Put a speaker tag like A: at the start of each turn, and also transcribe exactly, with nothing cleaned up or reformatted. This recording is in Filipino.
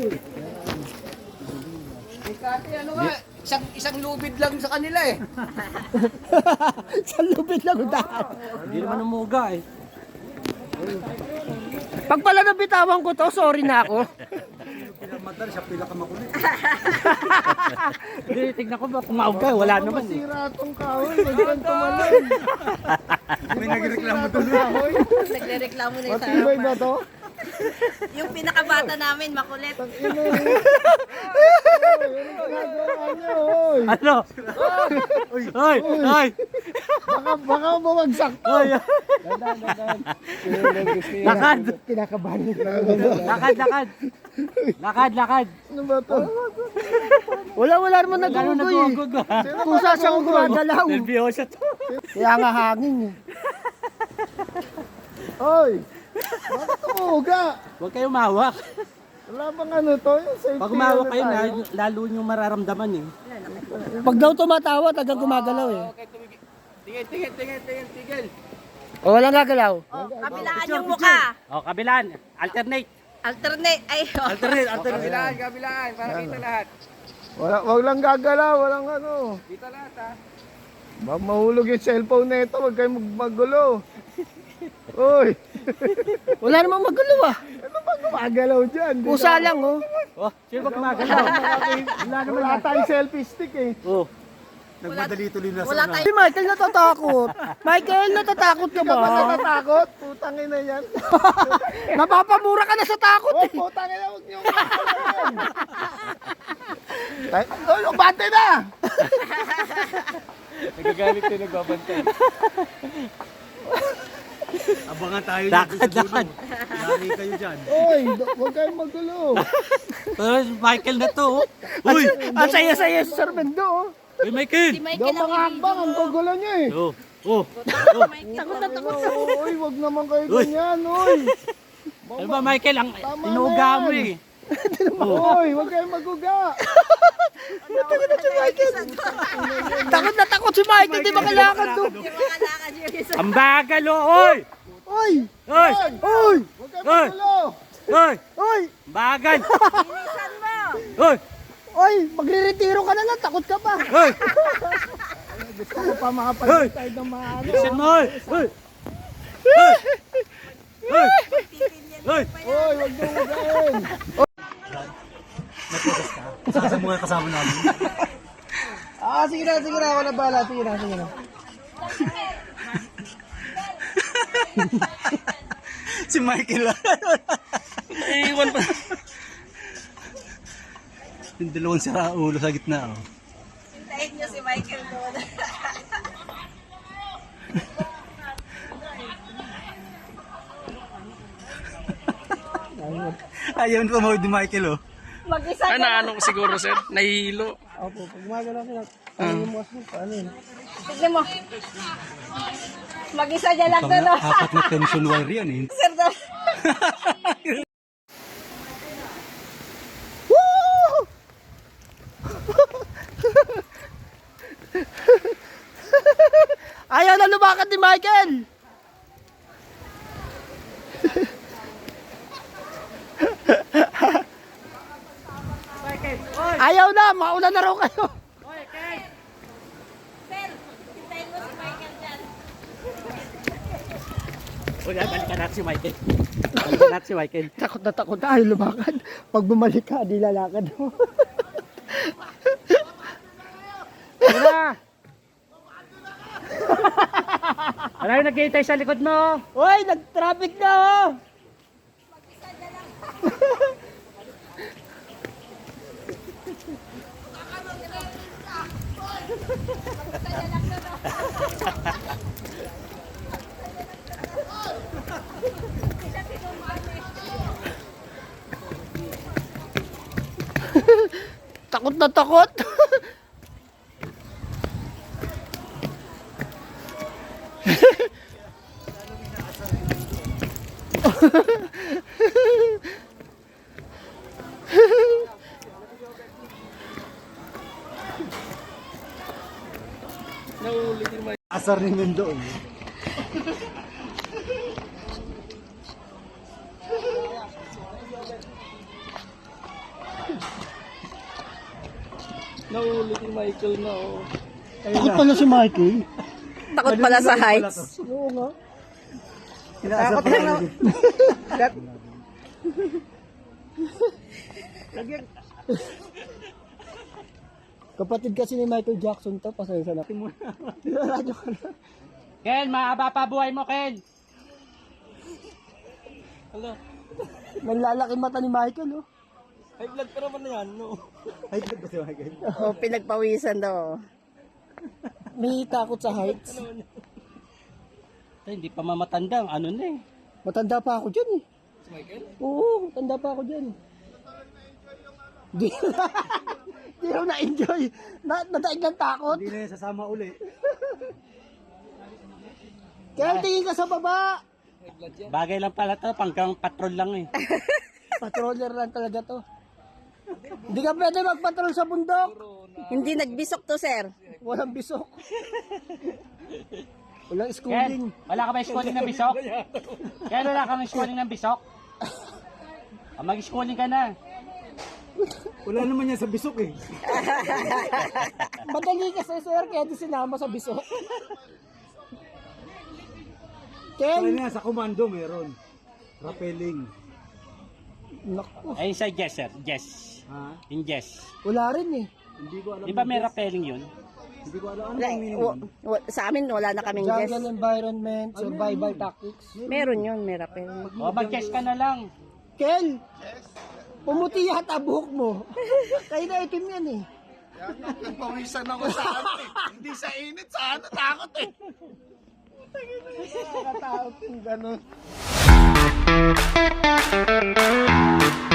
A: Kati, ano nga, isang, isang lubid lang sa kanila eh.
B: Isang lubid lang udahan.
C: Hindi naman umuga eh.
B: Pag pala nabitawan ko to, sorry na ako.
C: Pinamatar siya pila ka makulit. Hindi, tignan ko ba kung mauga, wala naman eh.
A: Masira tong kahoy, magandang tumalon.
C: May nagreklamo doon.
D: Nagre-reklamo na yung
A: Matibay ba to?
D: Yung pinakabata namin, makulit.
A: Ino. Ginagawa niyo, oy.
C: Ano? Hoy! Hoy!
A: Baka, baka bumagsak to.
C: Hoy!
A: Dadan, dadan.
C: Lakad!
A: Kinakabahan nila.
C: Lakad, lakad! Lakad, lakad!
A: Ano ba to?
B: Wala, wala naman
C: Ano
B: nagugoy eh.
C: nag-uugog ba?
B: Kusa siyang gumagalaw.
C: Nervyoso to.
B: Kaya nga hangin eh.
A: Oy! Bakit tumuga?
C: Huwag kayong mahawak.
A: Wala bang ano to? Yung safety
C: Pag umawak
A: ano
C: kayo,
A: tayo?
C: lalo, lalo nyo mararamdaman eh.
B: Pag daw tumatawa, tagang gumagalaw eh.
A: Tingin, tingin, tingin, tingin, tingin.
B: O walang gagalaw.
D: Oh, kabilaan yung mukha.
C: O, kabilaan. Alternate.
D: Alternate. Ay, oh.
C: Alternate, alternate.
A: Kabilaan, kabilaan, para kita lahat. Wala, wag lang gagalaw, walang ano. Kita lahat ha. Baka mahulog yung cellphone na ito, wag kayong magmagulo. Uy!
B: Wala namang magulo ah.
A: Ano ba gumagalaw dyan? Di
B: Kusa
A: na-
B: lang oh.
C: Oh, sino ba gumagalaw?
A: Wala naman wala tayong selfie stick eh.
C: Oh.
D: Nagmadali tuloy na wala
B: Si
D: tayo.
B: Michael natatakot. Michael, natatakot ka
A: Ka ba
B: ba?
A: natatakot? Putang ina yan.
B: Napapamura ka na sa takot
A: Oh,
B: eh.
A: putang ina, huwag niyong kakalayan. Ay, oh, bante na!
C: Nagagalit tayo nagbabantay. Abangan tayo dyan. Lakad, lakad. Lari kayo dyan.
A: Oy, do- huwag kayong magulo.
C: Pero si Michael na to. oh. Uy!
B: Ang saya-saya sa Sir Mendo oh.
C: Uy, Michael!
D: Si
A: Daw
D: Michael
A: mga
D: ang
A: hakbang, ang gugulo niyo eh.
C: Oh, oh.
D: Takot na takot.
A: Uy, huwag naman kayo
C: Uy.
A: ganyan, uy.
C: Ano ba, Michael? Ang
A: Tama
C: inuuga
A: na
C: mo
A: yan.
C: eh.
A: Uy, huwag kayong maguga.
B: Takot na takot si Michael, di ba kailangan to?
D: Yung mga lakad yung isa.
C: Ang bagal, oh! Oy!
B: Oy!
C: Oy!
B: Oy!
A: Huwag kayong
C: Uy.
A: magulo.
C: Oy!
B: Oy!
C: Bagal!
D: Bilisan mo.
C: Oy!
B: Oy! Magre-retiro ka na lang, takot ka pa.
C: Oy!
A: Gusto ko pa makapanood tayo ng mga ano.
C: Bilisan mo, oy! Oy! Oy! Oy! Oy!
A: Uy, huwag niyong ugain.
C: Sasa mo nga kasama namin.
A: Ah, sige na, sige na. Ako na bahala. Sige na, sige na.
C: Si Michael. Iiwan pa. Yung dalawang sira ulo sa gitna. Oh.
D: Hintayin niyo si Michael doon.
C: Ayaw na tumawid ni Michael, oh.
D: Mag-isa ka
E: Ano,
D: lang.
E: ano siguro sir, nahihilo.
A: Opo, pag gumagalaw sila, paano mo kasi, paano yun?
D: Tignan mo. Mag-isa dyan lang doon. oh.
C: Apat na tension wire yan, eh.
D: Sir, doon.
B: Woo! Ayaw na lumakad ni Michael. Ayaw na, mauna na raw kayo.
D: Sir, hintayin mo si Michael dyan.
C: Wala, balikan natin si Michael. Balikan natin si Michael.
B: Takot na takot na, ayaw lumakad. Pag bumalik ka, di lalakad mo.
C: Tara! Wala yung nag-iitay sa likod mo.
B: Hoy, nag-traffic na oh. Takot na takot.
C: Asar ni Mendo.
E: Nahuli si Michael na oh.
B: Takot pala si Mikey.
D: Takot pala sa heights.
B: Oo nga.
C: Takot lang na.
B: Kapatid kasi ni Michael Jackson to, pasensya na. Radyo ka na.
E: Ken, maaba pa buhay mo, Ken.
B: Nanlalaki mata ni Michael, oh.
C: High blood pa naman na yan, no? High blood ba si Michael?
D: Oh, pinagpawisan daw.
B: May takot sa heights.
E: Ay, hindi pa mamatanda. Ano na eh.
B: Matanda pa ako dyan, eh.
E: Si Michael?
B: Oo, matanda pa ako dyan. Di Di raw na-enjoy. Na, nadaig ng takot.
C: Hindi na yan sasama uli.
B: Kaya tingin ka sa baba.
E: Bagay lang pala to. Panggang patrol lang eh.
B: Patroller lang talaga to. Hindi ka pwede magpatrol sa bundok.
D: Hindi nagbisok to, sir.
B: Walang bisok. Walang
E: Ken,
B: schooling.
E: wala ka ba schooling ng bisok? Ken, wala ka ba schooling ng bisok? Ah, mag-schooling ka na.
C: Wala naman yan sa bisok eh.
B: Madali kasi sir, kaya di sinama sa bisok.
C: Kaya
B: Ken!
C: na sa komando meron. Rappelling.
B: Naku,
E: Ayun sa Jess, sir. Jess.
C: Ha?
E: In Jess.
B: wala rin eh.
C: Hindi ko alam.
E: Di ba may rappelling yun?
C: Hindi ko alam. Ano
D: Wala,
C: ang meaning
D: wa-
C: nun?
D: wa- sa amin, wala na kaming guess.
B: Jungle environment, survival tactics.
D: Meron yun, may rappel.
E: O, mag-Jess ka na lang.
B: Ken! Pumuti yata buhok mo. Kaya na itim yan eh.
A: Pawisan ako sa ano eh. Hindi sa init, sa ano, takot eh. Nakatakot kung ganun.